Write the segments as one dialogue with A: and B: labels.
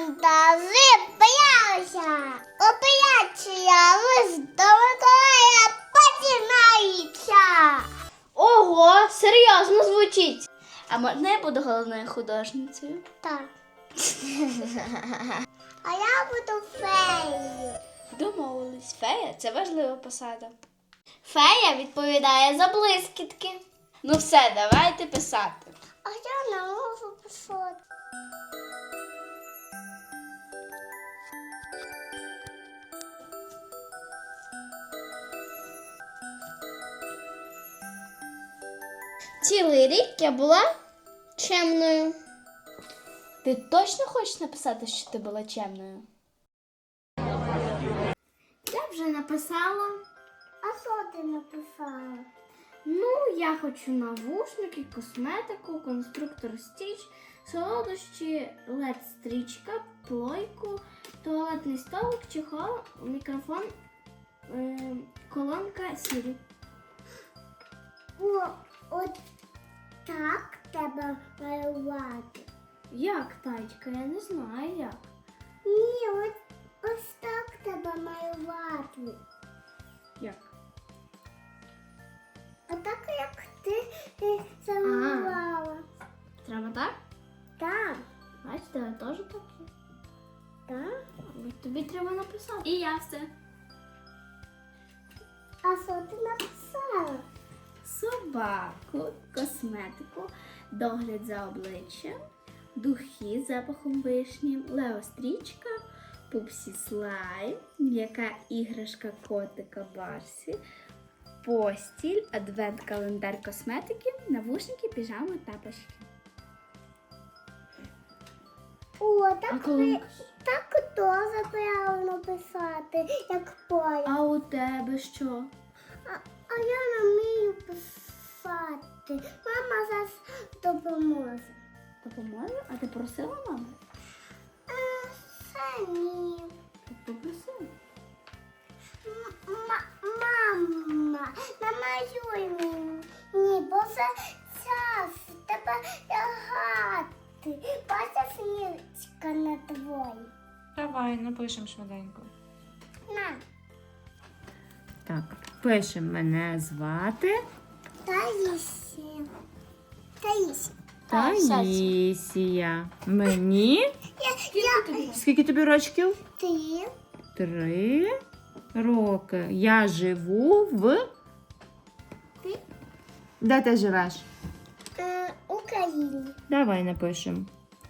A: Мандази боялися. Операція лист до Миколая починається.
B: Ого, серйозно звучить. А можна я буду головною художницею?
A: Так. А я буду феєю.
B: Домовились. Фея – це важлива посада. Фея відповідає за блискітки. Ну все, давайте писати.
A: А я не можу писати.
B: Цілий рік я була чемною. Ти точно хочеш написати, що ти була чемною? Я вже написала.
A: А що ти написала?
B: Ну, я хочу навушники, косметику, конструктор стіч, солодощі, лед-стрічка, плойку, туалетний столик, чехол, мікрофон, колонка Сірі.
A: От так треба малювати.
B: Як, Тачка? Я не знаю як.
A: Ні, ось так треба малювати.
B: Як?
A: Отак, як ти замалювала.
B: Треба так?
A: Так,
B: Бачите, я теж так є.
A: так.
B: Але тобі треба написати. І я все.
A: А що ти написала?
B: Собаку, косметику, догляд за обличчям, духи з запахом вишні, леострічка, пупсі слайм, м'яка іграшка котика Барсі, постіль, адвент-календар косметики, навушники, піжами, тапочки.
A: О, так,
B: колонка?
A: так теж правильно писати, як поля.
B: А у тебе що?
A: А я не вмію писати. Мама зараз допоможе.
B: Допоможе? А ти просила маму?
A: Це ні.
B: Попросила.
A: Мама, намалюй мені. Ні, бо це час. Треба лягати. Бачиш, нірочка на твої.
C: Давай, напишемо швиденько.
A: На.
C: Так, пишемо. Мене звати
A: Таїсія. Таїсія.
C: Таїсія. Мені?
A: Я
C: Скільки тобі рочків?
A: ти
C: 3 роки. Я живу в...
A: Ти?
C: Де ти живеш?
A: Україні.
C: Давай напишемо.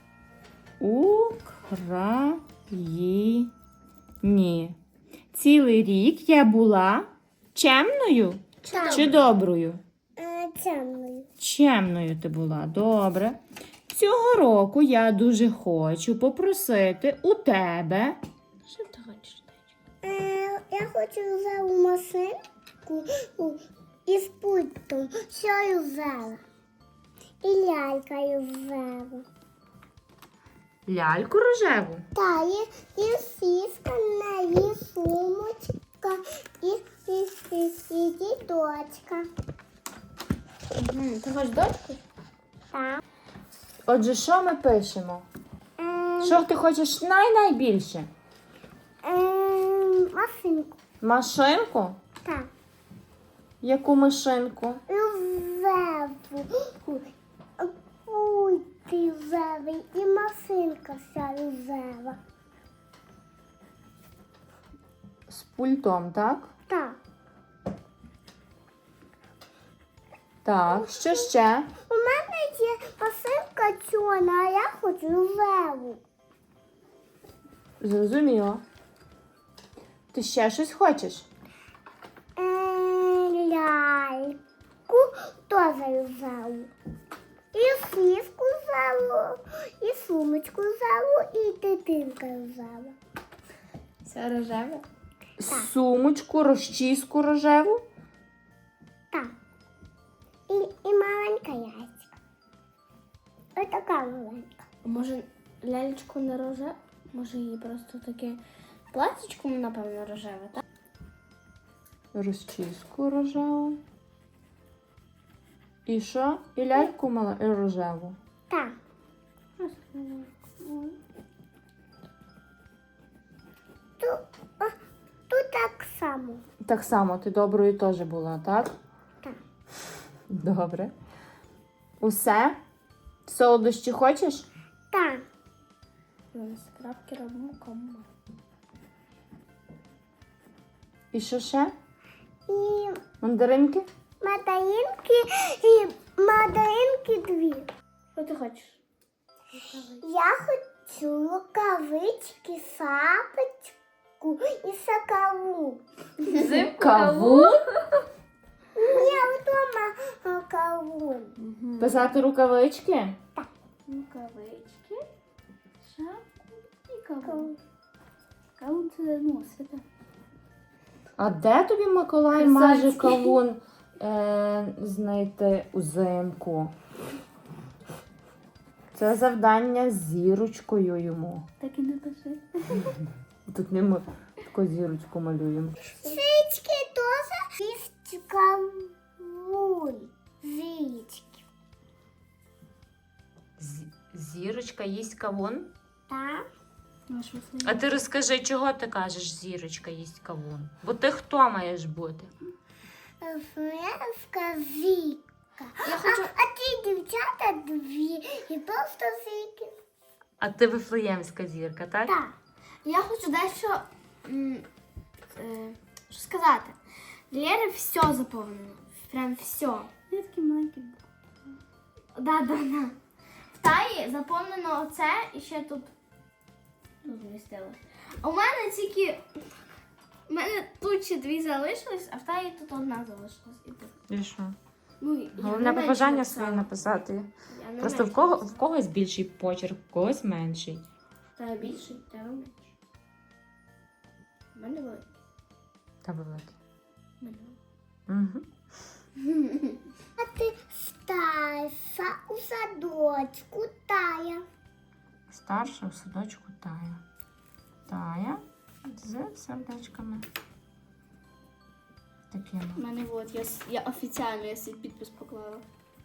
C: Україні. Цілий рік я була чемною
A: Так.
C: чи доброю?
A: Темною.
C: Чемною ти була, добре. Цього року я дуже хочу попросити у тебе.
B: Що ти хочеш?
A: Я хочу взяти машинку із пультом, що я взяла. І лялькою взяла.
C: Ляльку рожеву.
A: Та, і сіска, і сумочка, і діточка.
B: Ти хочеш дочку?
A: Так.
C: Отже, що ми пишемо? Що ти хочеш найбільше?
A: Машинку.
C: Машинку?
A: Так.
C: Яку машинку?
A: Рожеву. Пульт рожевий і машинка вся рожева.
C: З пультом, так?
A: Так.
C: Так, що ще?
A: У мене є машинка чорна, а я хочу рожеву.
C: Зрозуміло. Ти ще щось хочеш?
A: Ляльку теж рожеву. І сіску рожеву, і сумочку рожеву, і дитинка рожева.
B: Це рожеве?
C: Сумочку, розчіску рожеву?
A: Так. І маленька яйця. Ось така маленька.
B: Може, лялечку не рожеве? Може, її просто таке платічко, напевно, рожеве, так?
C: Розчіску рожеву. І що? І ляльку рожеву.
A: Так. само.
C: Так само, ти доброю теж була, так?
A: Так.
C: Добре. Усе? Солодощі хочеш?
A: Так.
B: Скрабки робимо кому.
C: І що ще?
A: І
C: Мандаринки?
A: мандаринки 2.
B: Що ти хочеш?
A: Я хочу рукавички, шапочку і сакаву.
C: Кавун?
A: Я вдома кавун.
C: Писати рукавички?
B: Рукавички, шапку і кавун. Кавун це, ну, свята.
C: А де тобі Миколай може кавун знайти узимку? Це завдання з зірочкою йому.
B: Так і не пиши.
C: Тут не ми таку зірочку малюємо.
A: Зички теж їсть кавун. Зички.
C: Зірочка їсть кавун?
A: Так.
C: А ти розкажи, чого ти кажеш, зірочка їсть кавун? Бо ти хто маєш бути?
A: Френська зірка. А ті дівчата 2 і просто зірки.
C: А ти вифлеємська зірка, так?
A: Так.
B: Я хочу дещо що сказати. Для Лєри все заповнено. Прям все. Я такий маленький. Да. В Таї заповнено оце і ще тут змістилось. А у мене тільки. У мене тут ще 2 залишились, а в Таї тут 1 залишилась. І тут.
C: І що?
B: Ну, я
C: Головне
B: не менше
C: побажання
B: написала.
C: своє написати.
B: Я не
C: Просто
B: менше
C: в когось більший почерк, в когось менший.
B: В Таї більший, в тебе менше. У мене великий.
C: Та великий.
B: У мене
C: Угу.
A: А ти старша у садочку Тая.
C: Старша у садочку Тая. Тая з сердечками. Такими.
B: У мене от, я офіційно я свій підпис поклала.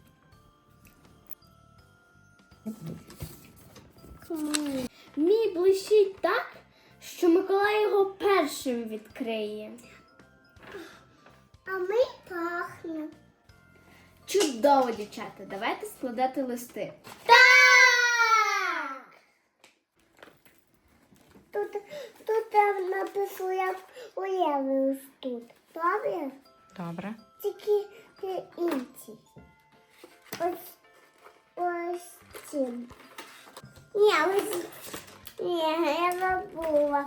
B: Мій блищить так, що Миколай його першим відкриє.
A: А ми пахнемо.
B: Чудово, дівчата, давайте складати листи.
A: Так! Тут там написано, як уявилось тут. Добре?
C: Добре.
A: Тільки інші. Ось цим. Ні, я забула.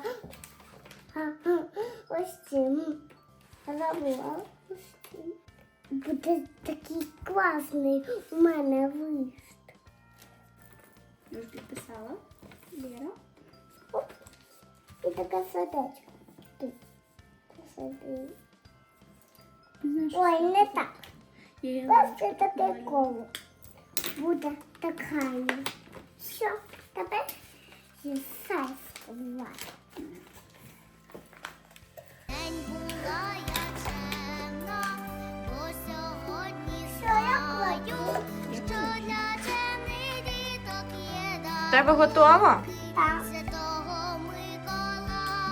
A: Ось цим. Я забула. Ось цим. Буде такий класний у мене лист.
B: Я ж підписала. Лєра.
A: Оп. І таке сердечко. Тут. Посади. Ой, не так. Просто таке коло. Буде така. Все, тепер зісай сховати.
D: День була я чемна, бо сьогодні
A: Що я
D: знаю,
A: кладу?
D: що для чемних діток є дар.
C: Тебе готово?
A: Так.
D: Святого Миколая.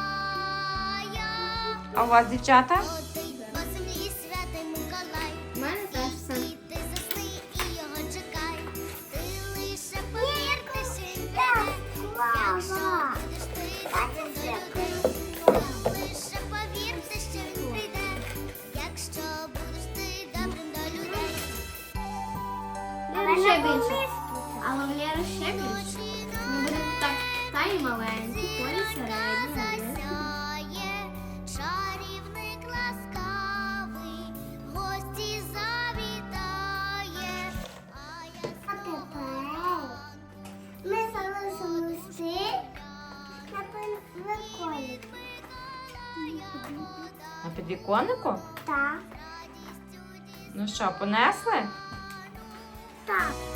C: А у вас, дівчата?
D: Ходить по землі святий Миколай.
B: У мене теж все.
D: І ти засни і його чекай. Ти лише повір, ти ще й
A: Так,
D: прийде.
A: мама.
D: Будеш ти
A: Бачиш,
D: до
A: як
D: людей. Лише повірте, що він прийде, якщо будеш ти добрим до людей.
B: Лєра ще більше. Але в Лєри ще більше. Ми будемо так, Таї маленькі, Полі середні, а Лєри
D: Засяє чарівник ласкавий, гості завітає. А я
A: А тепер ми залишимо листи на виконці.
C: На підвіконнику?
A: Так,
C: Ну що, понесли?
A: так.